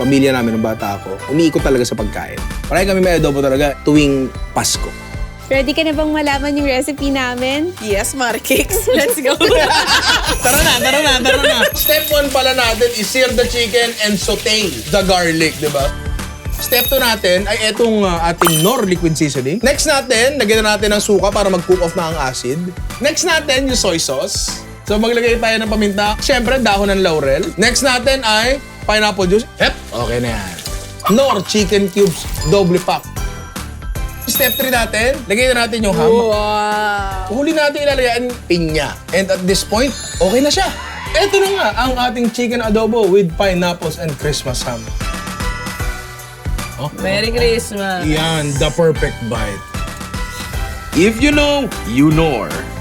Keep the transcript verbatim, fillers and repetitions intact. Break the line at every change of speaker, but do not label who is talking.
pamilya namin ng bata ako, umiikot talaga sa pagkain. Parang kami may adobo talaga tuwing Pasko.
Ready ka na bang malaman yung recipe namin?
Yes, Markix. Let's go.
Tara na, tara na, tara na. Step one pala natin is sear the chicken and saute the garlic, di ba? Step two natin ay itong uh, ating Knorr liquid seasoning. Next natin, lagyan na natin ng suka para mag-cook off na ang acid. Next natin, yung soy sauce. So maglagay tayo ng paminta. Siyempre, dahon ng laurel. Next natin ay pineapple juice. Yep, okay na yan. Knorr chicken cubes, double pack. Step three natin, lagay na natin yung ham.
Wow.
Huli natin ilalagyan pinya. And at this point, okay na siya. Ito na nga ang ating chicken adobo with pineapples and Christmas ham. Oh,
Merry Christmas.
yan, the perfect bite.
If you know, you know.